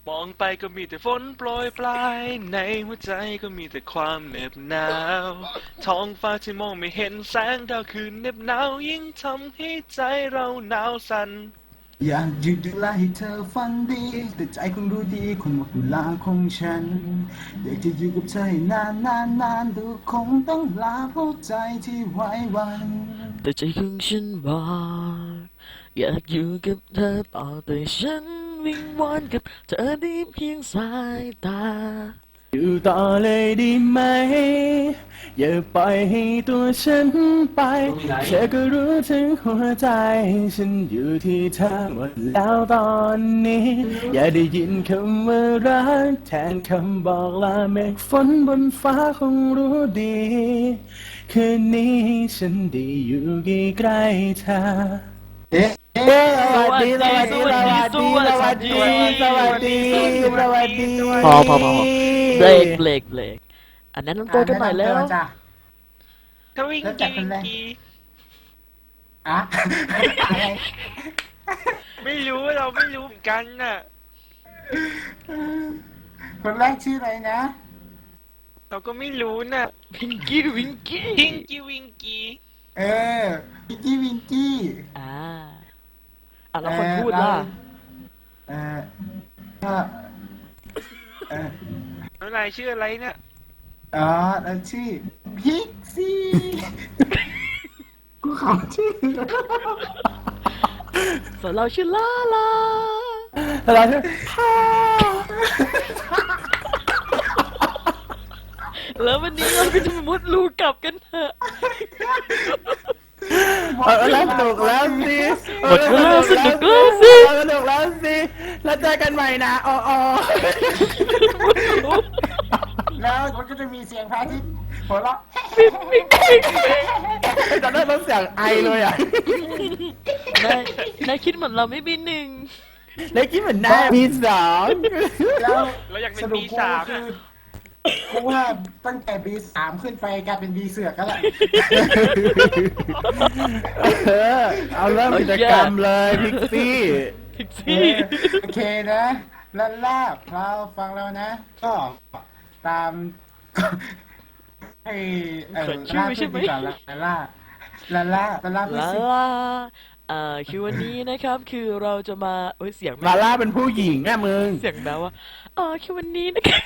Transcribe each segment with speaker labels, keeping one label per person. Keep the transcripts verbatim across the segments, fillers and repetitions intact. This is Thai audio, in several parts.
Speaker 1: มองไปก็มีแต่ฝนโปรยปลายในหัวใจก็มีแต่ความเหน็บหนาวท้องฟ้าที่มองไม่เห็นแสงดาวคืนเหน็บหนาวยิ่งทำให้ใจเราหนาวสั่น
Speaker 2: อยากหยุดเวลาให้เธอฝันดีแต่ใจคงรู้ดีคงหมดเวลาของฉันอยากจะอยู่กับเธอให้นานนานนานดูคงต้องลาเพราะใจที่ไว้วัน
Speaker 3: แต่ใจของฉันบอกอยากอยู่กับเธอต่อแต่ฉันวิงวอนกับเธอได้เพียงสายตา
Speaker 2: อยู่ต่อเลยดีไหมอย่าปล่อยให้ตัวฉันไปเธอก็รู้ถึงหัวใจฉันอยู่ที่เธอหมดแล้วตอนนี้อย่าได้ยินคำว่ารักแทนคำบอกลาเมฆฝนบนฟ้าคงรู้ดีคืนนี้ฉันได้อยู่ใกล้ๆเธอเอ๊ะสวัสดีสวัสดีสวัสดีสวัสดีสวัสดีสวัสดี
Speaker 3: พอพอพอเบรกเบรกเบรกอันนั้นต้องตัวกันหน่อยแล้ว
Speaker 1: ทวิงกี้วิงกี้
Speaker 2: อะอะไร
Speaker 1: ไม่รู้เราไม่รู้เหมือนกันน่ะ
Speaker 2: คนแรกชื่ออะไรนะ
Speaker 1: เราก็ไม่รู้น่ะ
Speaker 3: วิงกี้วิงกี้
Speaker 1: วิงกี้วิงกี้
Speaker 2: เออวิงกี้วิงกี้
Speaker 3: อ่าอ่ะแล้วคนพูดล่ะ
Speaker 2: เออก็เออ
Speaker 1: อะไรชื่ออะไรเนี่ย
Speaker 2: อ๋อแล้วชื่อพิกซี่กูขอชื่อ
Speaker 3: ส่วนเราชื่อลาลา
Speaker 2: เราชื่อ
Speaker 3: แล้ววันนี้เราก็จะมุดรูกลับกันเถอะ
Speaker 2: หมดแล้วสนุกแล้วสิ
Speaker 3: หมดแล้วสนุกแล้วสิ
Speaker 2: สนุกแล้วสิแล้วเจอกันใหม่นะอ๋อแล้วมันก็จะมีเสียงพระอาทิตย์หัวเราะตอนนั้นมันเสียงไอเลยอ่ะ
Speaker 3: นายนายคิดเหมือนเราไม่มีหนึ่ง
Speaker 2: นายคิดเหมือนนายมีสอง
Speaker 1: แล้วเราอยากเป็นปีสาม
Speaker 2: กูว่าตั้งแต่บีสามขึ้นไปกลายเป็นบีเสือกก็แหละเอาเริ่มกิจกรรมเลยพิกซี่
Speaker 3: พิกซี่
Speaker 2: โอเคนะลันล่าเราฟังแล้วนะก็ตามให้เออล่าชื่อก่อนลันล่าลันล่าลันล่า
Speaker 3: ลาลาอ่าคือวันนี้นะครับคือเราจะมาเอ้ยเสียง
Speaker 2: ลาล่าเป็นผู้หญิงอะมึง
Speaker 3: เสียงแปลว่าอ่าคือวันนี้นะครับ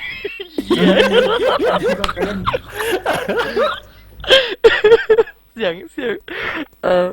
Speaker 3: เสียงเสียงเออ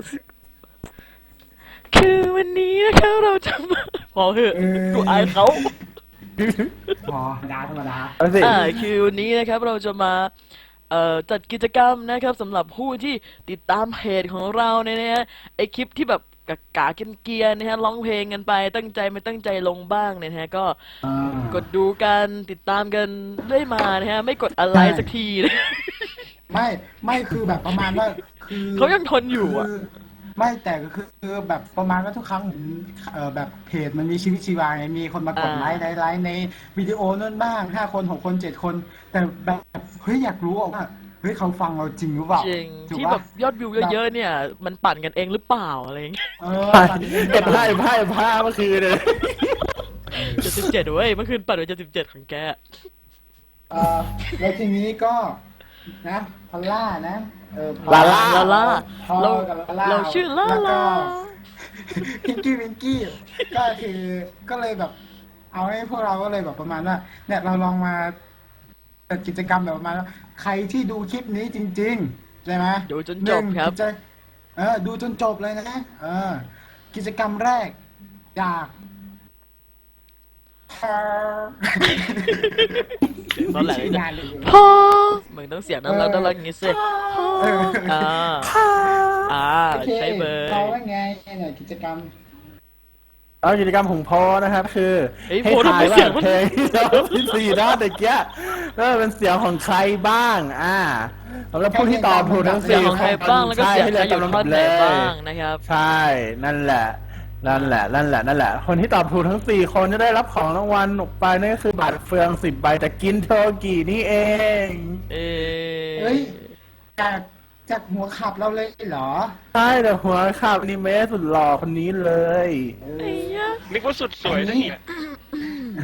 Speaker 3: คือวันนี้นะครับเราจะมาพอเหอะกูอายเขา
Speaker 2: พอธรรมดาธรรมดา
Speaker 3: อ่าคือวันนี้นะครับเราจะมาเอ่อจัดกิจกรรมนะครับสำหรับผู้ที่ติดตามเพจของเราเนี่ยนะฮะไอคลิปที่แบบกากาเกียนๆนะฮะร้องเพลงกันไปตั้งใจไม่ตั้งใจลงบ้างเนี่ยนะฮะก็กดดูกันติดตามกันได้มานะฮะไม่กดอะไรสักทีนะ
Speaker 2: ไม่ไม่คือแบบประมาณว่าคือ
Speaker 3: เขายังทนอยู่อ่ะ
Speaker 2: ไม่แต่ก็คือคือแบบประมาณว่าทุกครั้งเออแบบเพจมันมีชีวิตชีวาไงมีคนมากดไลค์ไลค์ไลค์ในวิดีโอนั่นบ้างห้าคนหกคนเจ็ดคนแต่แบบเฮ้ยอยากรู้ว่าเฮ้ยเขาฟังเราจริงหรือเปล่า
Speaker 3: จริงที่แบบยอดวิวเยอะๆเนี่ยมันปั่นกันเองหรือเปล่าอะไรอย่างเงี้ย
Speaker 2: เออเก็บผ้าผ้าผ้าเมื่อคืนเลย
Speaker 3: เจ็ดสิบเจ็ดเว้ยเมื่อคืนปั่นไปเจ็ดสิบเจ็ดของแก
Speaker 2: เออแล้วทีนี้ก็นะพอลล่านะเออ
Speaker 3: ลาล่าลาล่าเราเราชื่อลาล่า
Speaker 2: พิงกี้พิงกี้ก็คือก็เลยแบบเอาให้พวกเราก็เลยแบบประมาณว่าเนี่ยเราลองมาจัดกิจกรรมแบบประมาณว่าใครที่ดูคลิปนี้จริงๆใช่ไหม
Speaker 3: ดูจนจบครับ
Speaker 2: เออดูจนจบเลยนะเออกิจกรรมแรกจาก
Speaker 3: ตอนแรกพอมึงต้องเสียงนั้นแล้วต้องรักงี้สิอ่าอ่าใช้เบอร์
Speaker 2: เราว่าไงเนี่ยกิจกรรมเอากิจกรรมของพอนะครับคือ
Speaker 3: ให้ถ่ายว่าเพลง
Speaker 2: ที่สี่ด้านตะเกียเออเป็นเสียงของใครบ้างอ่าแล้วผู้ที่ตอบถูกทั้งสี่
Speaker 3: ของใครบ้างแล้วก็เสียงใครอยู่ท่อนไหนบ้างนะครับ
Speaker 2: ใช่นั่นแหละนั่นแหละนั่นแหละนั่นแหละคนที่ตอบถูกทั้งสี่คนจะได้รับของรางวัลออกไปนั่นก็คือบัตรเฟืองสิบใบแต่กินโทกี่นี่เอง
Speaker 3: เ
Speaker 2: อ้ยจากจากหัวขับเราเลยเหรอใช่แต่หัวขับนี่เมสสุดหล่อคนนี้เลย
Speaker 1: นึกว่าสุดสวยนะเนี่ย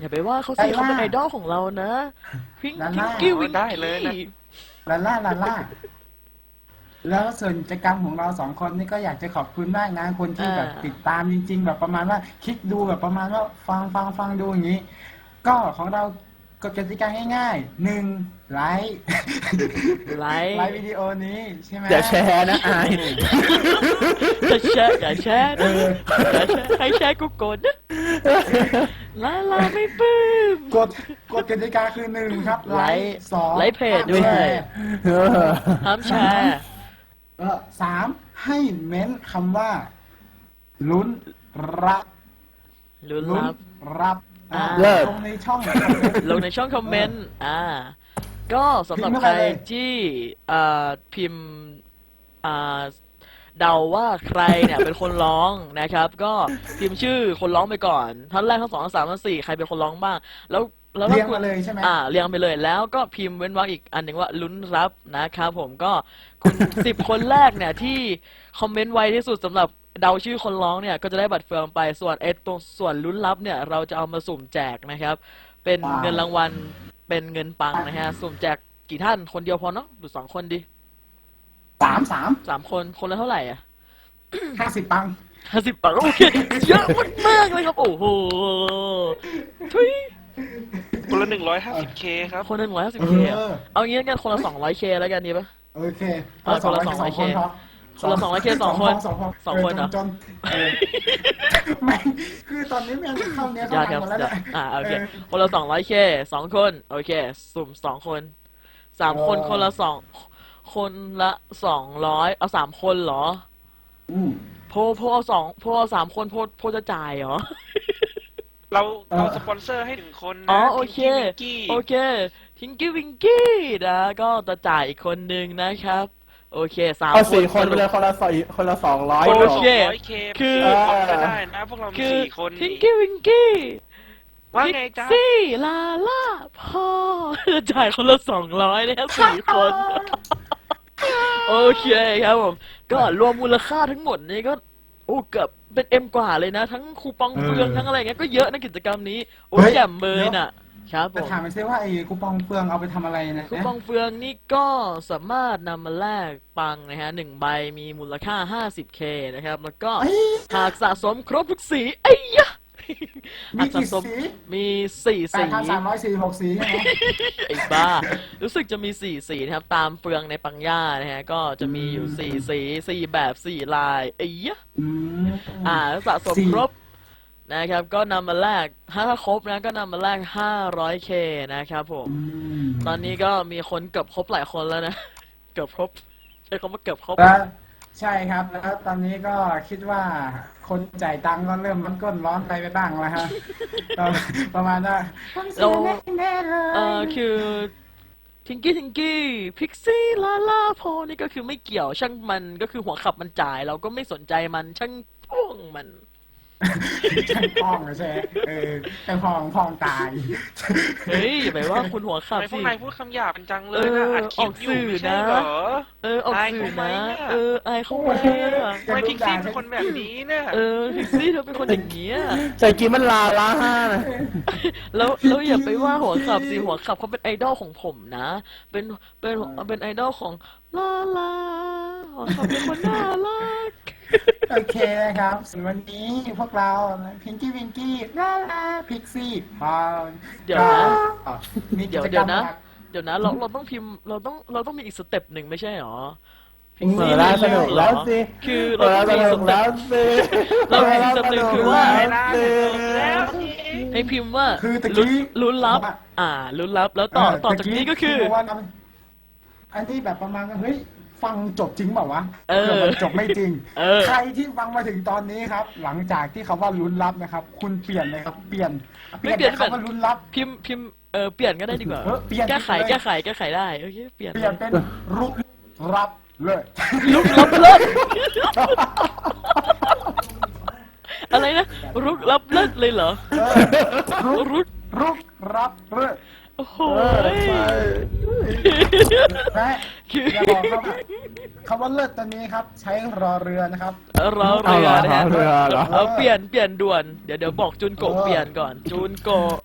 Speaker 3: อย่าไปว่าเขาสิเขาเป็นไอดอลของเรานะพิง
Speaker 4: ลา
Speaker 3: พิ
Speaker 4: ล่า
Speaker 3: งกี้วิง
Speaker 1: ได้เลยนะ
Speaker 3: กี้
Speaker 4: ลาล่าลาล่าแล้วส่วนกิจกรรมของเราสองคนนี่ก็อยากจะขอบคุณมากนะคนที่แบบติดตามจริง ๆ แบบประมาณว่าคลิกดูแบบประมาณว่าฟังฟังฟังดูอย่างนี้ ก็ของเรากฎกติกาง่ายๆหนึ่งไลค์
Speaker 3: ไลค์
Speaker 4: ไลค์วิดีโอนี้ใช่ไหม
Speaker 2: อย่าแชร์นะอาย
Speaker 3: จะแชร์อย่าแชร์นะอย่าแชร์ใครแชร์กูโกรธนะลาลาไม่ปลื้ม
Speaker 4: กฎกฎกติกาคือหนึ่งครับไล
Speaker 3: ไลค์
Speaker 4: ค์สอง
Speaker 3: ไลค์เพจด้วย
Speaker 4: ห้ามแชร์
Speaker 2: เออ
Speaker 3: ห้ามแชร์
Speaker 4: เออสามให้เม้นคำว่า ลุ้นรับ
Speaker 3: ลุ้น
Speaker 4: ลุ้น
Speaker 3: รับ
Speaker 4: รับอ่า
Speaker 3: เลิศ
Speaker 4: ลงในช่อง
Speaker 3: ลงในช่องคอมเมนต์ อ่า ก็สำหรับ
Speaker 4: พิมพ์
Speaker 3: ใคร
Speaker 4: เข้าไปเลย
Speaker 3: ที่อ่าพิมพ์อ่าเดาว่าใครเนี่ยเป็นคนร้องนะครับ ก็พิมพ์ชื่อคนร้องไปก่อนท่านแรกท่านสองท่านสามท่านสี่ใครเป็นคนร้องบ้าง แล้วแล้ว
Speaker 4: เรียง
Speaker 3: คุณ
Speaker 4: มาเลยใช่ไหม
Speaker 3: อ่าเรียงไปเลยแล้วก็พิมพ์เว้นวรรคอีกอันหนึ่งว่าลุ้นรับนะครับผมก็คุณ สิบคนแรกเนี่ยที่คอมเมนต์ไวที่สุดสำหรับเดาชื่อคนร้องเนี่ยก็จะได้บัตรเฟืองไปส่วนไอ้ตรงส่วนลุ้นรับเนี่ยเราจะเอามาสุ่มแจกนะครับ เป็น
Speaker 4: ว้าว
Speaker 3: เงินรางวัลเป็นเงินปังนะฮะสุ่มแจกกี่ท่านคนเดียวพอเนาะหรือสองคนดี
Speaker 4: สามสาม
Speaker 3: สามคนคนละเท่าไหร่อ่ะ
Speaker 4: ห้าสิบปัง
Speaker 3: ห้าสิบปังโอเคเยอะมากๆเลยครับโอ้โหทุย
Speaker 1: คนละหนึ่งร้อยห้าสิบเคครับ
Speaker 3: คนละหนึ่งร้อยห้าสิบ
Speaker 4: เอ
Speaker 3: เค
Speaker 4: อ
Speaker 3: เอางี้กันคนละสองร้อยเคแล้วกันดีปะ
Speaker 4: โอเค
Speaker 3: เอาคนละ
Speaker 4: สอง
Speaker 3: สองร้อย
Speaker 4: คนพอ
Speaker 3: คนละสองร้อยเคสองคน
Speaker 4: สองคน
Speaker 3: สองคนเหรอ
Speaker 4: จนๆเออไม่คือตอนนี้แม่งเข้าเนี้ย
Speaker 3: ยา
Speaker 4: เข้า
Speaker 3: ค
Speaker 4: ทา
Speaker 3: รับ
Speaker 4: งหมดแล้วเนี่ย
Speaker 3: อ่าโอเค
Speaker 4: เออ
Speaker 3: คนละสองร้อยเคสองคนโอเค สุ่มสองคนสามคน
Speaker 4: เออ
Speaker 3: คนละสองคนละสองร้อยเอาสามคนเหรอ
Speaker 4: อืม
Speaker 3: โพโพเอาสองโพเอาสามคนโพโพจะจ่ายเหรอ
Speaker 1: เรา
Speaker 4: เออ
Speaker 1: เราสปอนเซอร์ให้หนึ่งคนนะ
Speaker 3: อ๋อโอเค
Speaker 1: พิงกี้
Speaker 3: โอเคทิงกี้วิงกี้นะก็จะจ่ายอีกคนนึงนะครับ โอเคสาม
Speaker 2: เอา
Speaker 3: คน
Speaker 2: สี่คนไปเลยคนละสี่คนละสองร้อย
Speaker 1: คน
Speaker 3: โอ
Speaker 1: ละ
Speaker 3: เค
Speaker 1: สองร้อยเค
Speaker 3: คือ
Speaker 1: คนก็ได้นะพวกเรามี
Speaker 3: คือ
Speaker 1: สี่คน
Speaker 3: ทิง
Speaker 1: นี่
Speaker 3: กี้วิงกี้
Speaker 1: ว่าไงจ๊ะ
Speaker 3: ซี่ลาล่าพ่อจะจ่ายคนละสองร้อยนะครับสี่คน โอเคครับผม ก็รวมมูลค่าทั้งหมดนี่ก็ โอ้เกือบเป็นเอ็มกว่าเลยนะ ทั้งคูปองเฟือง
Speaker 4: เออ
Speaker 3: ทั้งอะไรเงี้ยก็เยอะนะกิจกรรมนี้ โอ้
Speaker 4: เฮ้ย
Speaker 3: แจ่มเบย
Speaker 4: เดี๋ยว
Speaker 3: น่ะ ครับผ
Speaker 4: จะ
Speaker 3: ม
Speaker 4: ถามมันซิว่าไอ้คูปองเฟืองเอาไปทำอะไรนะ
Speaker 3: คูปองเฟืองนี่ก็สามารถนำมาแลกปังนะฮะหนึ่งใบมีมูลค่า ห้าสิบเค นะครับ แล้วก็
Speaker 4: เอ้ย
Speaker 3: หากสะสมครบทุกสีไอ้ยะ
Speaker 4: มี
Speaker 3: หากสะ
Speaker 4: กี่
Speaker 3: สม
Speaker 4: สี
Speaker 3: มีสี่
Speaker 4: แป
Speaker 3: สี
Speaker 4: ดพันสามร้อยสี่สิบหกสีใช่ไหม
Speaker 3: ไอ้บ้า รู้สึกจะมีสี่สีนะครับ ตามเฟืองในปังย่านะฮะ ก็จะมีอยู่สี่สีสี่แบบสี่ลายไอ้ยะ
Speaker 4: อืม
Speaker 3: อ่าสะสม
Speaker 4: สี่
Speaker 3: ครบนะครับ ก็นำมาแลกถ้าครบนะก็นำมาแลก ห้าร้อยเค นะครับผม
Speaker 4: อืม
Speaker 3: ตอนนี้ก็มีคนเกือบครบหลายคนแล้วนะ เกือบครบใช้คำว่าเกือบครบ
Speaker 4: แล้วใช่ครับแล้วตอนนี้ก็คิดว่าคนจ่ายตังค์ก็เริ่มร้อนก้นร้อนไปไปบ้างแล้วฮะ ก็ประมาณว่า
Speaker 3: เรา
Speaker 4: แน่ๆเลย
Speaker 3: เอ่อคือทิงกี้ทิงกี้พิกซี่ลาลาโพนี่ก็คือไม่เกี่ยวช่างมันก็คือหัวขับมันจ่าย เราก็ไม่สนใจมันช่างพ่วงมัน
Speaker 4: ช่างพองใช่ไหมเออช่างพองพองตาย
Speaker 3: เฮ้ยอย่าไปว่าคุณหัวขับ
Speaker 1: ทำไมพว
Speaker 3: สิ
Speaker 1: กนายพูดคำหยาบกันจังเลยนะ
Speaker 3: เออ
Speaker 1: อัดคลิปอยู่
Speaker 3: ออกสื่อ
Speaker 1: ไม่ใช่
Speaker 3: นะ
Speaker 1: เหรอ
Speaker 3: เออออกสื่อ
Speaker 1: อายเขาไหม
Speaker 3: นะ
Speaker 1: เนี่ย
Speaker 3: เอออายเขาไหมอะ
Speaker 1: ทำไมพิกซี่เป็นคนแบบนี้เนี่ย
Speaker 3: เออพิกซี่เธอเป็นคนอย่างเงี้ย
Speaker 2: ใจกินมันลาล้าห้านะ
Speaker 3: แล้วแล้วอย่าไปว่าหัวขับสิหัวขับเขาเป็นไอดอลของผมนะ เป็นเป็นเป็นไอดอลของลาลาหัวขับเป็นคนน่ารัก
Speaker 4: โอเคนะครับส่วนวันนี้พวกเราพิงกี้วิงกี้ลาลาพิกซี่พาว
Speaker 3: เดี๋ยวนะ
Speaker 4: มีกิ
Speaker 3: เดี๋ยว
Speaker 4: จก
Speaker 3: เดี๋
Speaker 4: ร
Speaker 3: ย
Speaker 4: ร
Speaker 3: ว
Speaker 4: ม
Speaker 3: นะ
Speaker 4: หลัก
Speaker 3: เดี๋ยวนะเราเราต้องพิมพ์เราต้องเราต้องมีอีกสเต็ปหนึ่งไม่ใช่หรอ
Speaker 4: อืม
Speaker 2: เปิดแล้วสนุกแล้วสิ
Speaker 3: คือ
Speaker 2: เปิ
Speaker 3: เรา
Speaker 2: ด
Speaker 3: ต้
Speaker 2: แล้
Speaker 3: อ
Speaker 2: ว
Speaker 3: ง
Speaker 2: ส
Speaker 3: มี
Speaker 2: นุ
Speaker 3: ส
Speaker 2: ก
Speaker 3: เต็ป
Speaker 2: แล้วสิ
Speaker 3: เรามีสเต็ปหนึ่งคือว่า
Speaker 1: เวลาจะจบแล้วสิ
Speaker 3: ให้พิมพ์ว่า
Speaker 4: คือตะ
Speaker 3: ลุ้น
Speaker 4: กี้
Speaker 3: ลุ้นลับ อ่าลุ้นลับแล้วต่อต่อจากนี้ก็คือ
Speaker 4: บอกว่านะอันที่แบบประมาณว่าเฮ้ยฟังจบจริงเปล่าวะ
Speaker 3: เออ
Speaker 4: ผื่มันจบไม่จริง
Speaker 3: เออ
Speaker 4: ใครที่ฟังมาถึงตอนนี้ครับ หลังจากที่เขาว่าลุ้นลับนะครับ คุณเปลี่ยนเลยครับ เปลี่ยน
Speaker 3: ไม่เปลี่ยน
Speaker 4: จากคำว่าลุ้นลับ
Speaker 3: พิมพ์พิมพ์เออเปลี่ยนก็ได้ดีกว่า
Speaker 4: เออเปลี่ยน
Speaker 3: แก้ไข
Speaker 4: เลย
Speaker 3: แก้ไขแก้ไขได้โอเคเปลี่ยน
Speaker 4: เปลี่ยนเป็นรุกรับเลย
Speaker 3: ลุกลับเลิศอะไรนะรุกลับเลิศเลยเหรอ
Speaker 4: เออรุก
Speaker 3: รุก
Speaker 4: รุกรับเลย
Speaker 3: โอ้โห
Speaker 2: เออใช่
Speaker 4: และ
Speaker 3: คือ
Speaker 4: อย่าบอกครับว่าคำว่าเลิศตอนนี้ครับ ใช้รอเรือนะครับ
Speaker 3: รอเรือนะฮะ
Speaker 2: เอาเหรอเอาเหรอ
Speaker 3: เอาเปลี่ยนเปลี่ยนด่วนเดี๋ยวเดี๋ยวบอกจุนโกะ
Speaker 4: เออ
Speaker 3: เปลี่ยนก่อนจูนโกะ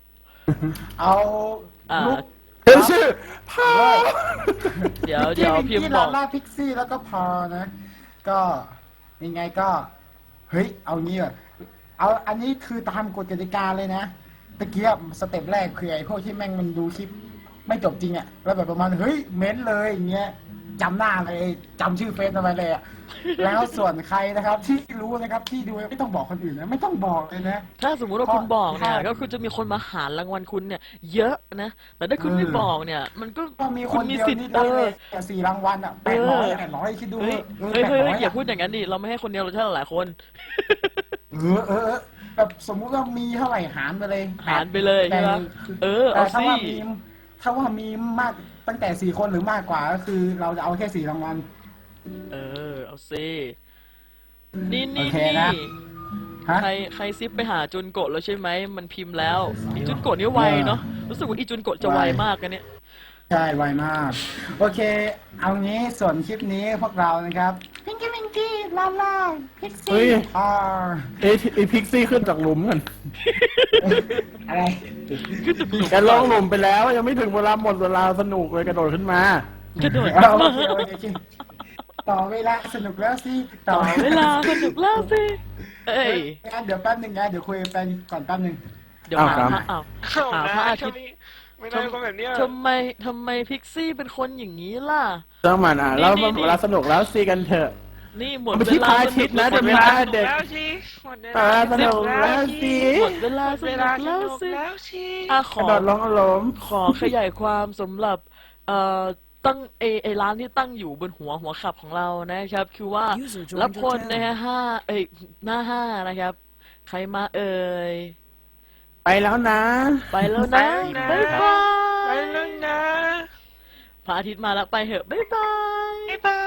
Speaker 4: เอา
Speaker 3: อ่า
Speaker 4: ลูก
Speaker 2: เฮ้ยชื่อพา
Speaker 3: เดี๋ยวเดี๋ยวพิมพ์
Speaker 4: ที่
Speaker 3: บ
Speaker 4: ลา
Speaker 3: อก
Speaker 4: ล่าพิกซี่แล้วก็พอนะ ก็ยังไงก็เฮ้ยเอางี้อ่ะเอาอันนี้คือตามกฎกติกาเลยนะตะเกียบสเต็ปแรกคือไอ้พวกที่แม่งมันดูคลิปไม่จบจริงอ่ะแล้วแบบประมาณเฮ้ยเม้นเลยอย่างเงี้ยจำหน้าเลยจำชื่อเฟซเอาไว้เลยอ่ะแล้วส่วนใครนะครับ ที่รู้นะครับที่ดูไม่ต้องบอกคนอื่นนะไม่ต้องบอกเลยนะ
Speaker 3: ถ้าสมมุติว่าคุณบอกเนี่ยก็คือจะมีคนมาหารางวัลคุณเนี่ย เยอะนะ แต่ถ้าคุณไม่บอกเนี่ย มันก็
Speaker 4: ก็มีค
Speaker 3: คุณ
Speaker 4: น
Speaker 3: มี
Speaker 4: เดียว
Speaker 3: สิทธิ์
Speaker 4: นี่
Speaker 3: เอ
Speaker 4: ได้เล
Speaker 3: อย
Speaker 4: แต่สี่รางวัลอ่ะแปดร้อยแปดร้อยคิดดู
Speaker 3: เฮ้ย
Speaker 4: ออ
Speaker 3: เฮ้ยเฮ้ย
Speaker 4: แปดร้
Speaker 3: เฮ้ยอย่า
Speaker 4: ะ
Speaker 3: พูดอย่างนั้นดิเราไม่ให้คนเดียวเราใช่หลายคน
Speaker 4: เออเออเออแบบสมมุติว่ามีเท่าไหร่หารไปเลย
Speaker 3: หารไปเลยใช่ไหม
Speaker 4: แต่
Speaker 3: เออเอา
Speaker 4: แต่ถ้า
Speaker 3: สิ
Speaker 4: ว่ามีถ้าว่ามีมากตั้งแต่สี่คนหรือมากกว่าก็คือ เราจะเอาแค่สี่รางวัล
Speaker 3: เออเอาสินี่นี่
Speaker 4: โอเค
Speaker 3: นี่
Speaker 4: นะ ฮะ
Speaker 3: ใครใครซิปไปหาจุนโกะแล้วใช่ไหมมันพิมพ์แล้วอีจุนโกะนี่ไวเนาะรู้สึกว่าอีจุนโกะจะไว
Speaker 4: ไว
Speaker 3: มากกันเนี่ย
Speaker 4: ใช่ไวมาก โอเค เอางี้ส่วนคลิปนี้พวกเรานะครับพิงกี้พิงกี้ลาล่าพิก
Speaker 2: เฮ้
Speaker 4: ซี่
Speaker 2: ย
Speaker 4: อ่า
Speaker 2: เอ้ยไอพิกซี่ขึ้นจากหลุมกัน
Speaker 4: อะไร
Speaker 2: แกลงหลุมไปแล้วยังไม่ถึงเวลาหมดเวลาสนุกเลยกระโดดขึ้นมา
Speaker 3: กระโดด
Speaker 4: เอาโอ
Speaker 3: มา
Speaker 4: เคโอเคโอเคต่อเวลาสนุกแล้วสิ
Speaker 3: ต่อเวลาสนุกแล้วสิเอ้ย
Speaker 4: งั้นเดี๋ยวแป๊บหนึงนะเดี๋ยวคุยกับแฟนก่อนแป๊บหนึง
Speaker 3: เดี๋ยว
Speaker 2: อ้าว
Speaker 3: หา
Speaker 2: ครับ
Speaker 3: พระอ้าว
Speaker 1: เข้า
Speaker 3: หา
Speaker 1: นะ
Speaker 3: พระอาทิ
Speaker 1: ถ้า
Speaker 3: ตย์
Speaker 1: ไม่ไม่ได้คนแบบเนี้ย
Speaker 3: ทำไมทำไมพิกซี่เป็นคนอย่างนี้ล่ะ
Speaker 2: เจ้ามันอ่ะแล้ว
Speaker 3: นี่นี่
Speaker 2: เวลาสนุกแล้วซีกันเถอะ
Speaker 3: นี่หมด
Speaker 2: มัน
Speaker 3: เว
Speaker 2: ที่
Speaker 3: ลา
Speaker 2: พระอาทิตย์นะ
Speaker 3: หม
Speaker 2: เดี๋ยว
Speaker 3: เว
Speaker 2: มี
Speaker 3: ลา
Speaker 2: พระ
Speaker 1: เด็กแล้วสิหมดเว
Speaker 2: เอ
Speaker 1: ลา
Speaker 2: อสนุกแล้วสิ
Speaker 3: หมดเวลาส
Speaker 1: เว
Speaker 3: นุ
Speaker 1: ลาก ส
Speaker 3: แล้ว
Speaker 1: นุก
Speaker 3: สิ
Speaker 1: แล้วสิ
Speaker 3: อ่ะข
Speaker 2: กระ
Speaker 3: อ
Speaker 2: โดดลงหลุม
Speaker 3: ขอขยายความสำหรับเอ่อตั้งเอไอร้านที่ตั้งอยู่บนหัวหัวขับของเรานะครับ คือว่า
Speaker 5: User joined
Speaker 3: รับคน
Speaker 5: your
Speaker 3: นะฮะห้าเอ้ยหน้าห้านะครับ ใครมาเอ่ย
Speaker 2: ไปแล้วนะ
Speaker 3: ไปแล้วนะ
Speaker 1: ไป
Speaker 3: บ๊าย
Speaker 1: แล้วนะ
Speaker 3: บาย
Speaker 1: ไปแล้วนะ
Speaker 3: พระอาทิตย์มาแล้วไปเหอะบ๊ายบาย
Speaker 1: บ๊ายบาย